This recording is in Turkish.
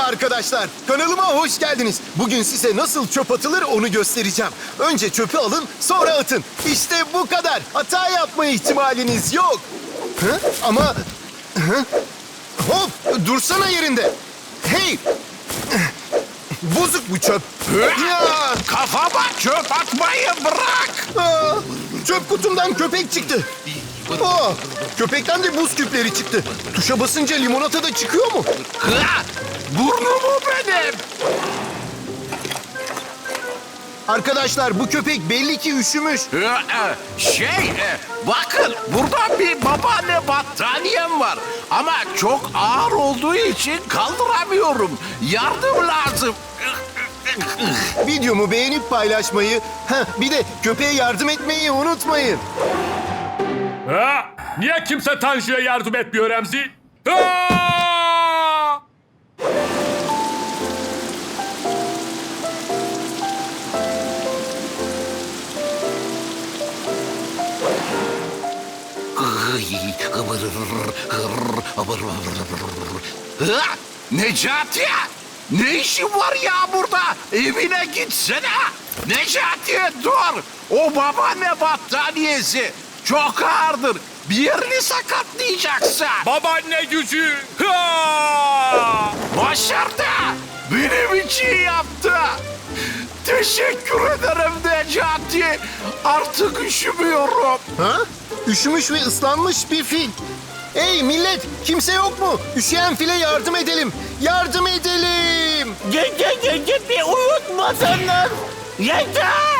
arkadaşlar, kanalıma hoş geldiniz. Bugün size nasıl çöp atılır onu göstereceğim. Önce çöpü alın, sonra atın. İşte bu kadar. Hata yapma ihtimaliniz yok. Hı? Ama... Hı? Hop, dursana yerinde. Hey! Bozuk bu çöp. Ya! Kafama çöp atmayı bırak. Aa, çöp kutumdan köpek çıktı. Aa, köpekten de buz küpleri çıktı. Tuşa basınca limonata da çıkıyor mu? Ha, burnumu benim. Arkadaşlar bu köpek belli ki üşümüş. Bakın burada bir babaanne battaniyem var. Ama çok ağır olduğu için kaldıramıyorum. Yardım lazım. Videomu beğenip paylaşmayı, bir de köpeğe yardım etmeyi unutmayın. Ha? Niye kimse Tanju'ya yardım etmiyor Remzi? Ha! Ha, Necati! Ne işin var ya burada? Evine gitsene. Necati dur. O babaanne battaniyesi çok ağırdır. Bir yerini sakatlayacaksın. Babaanne gücü! Ha! Başardı. Benim için yaptı. Teşekkür ederim Necati. Artık üşümüyorum. Ha? Üşümüş ve ıslanmış bir fil. Hey millet, kimse yok mu? Üşüyen file yardım edelim. Yardım edelim. Gece bir uyutmasınlar. Yeter!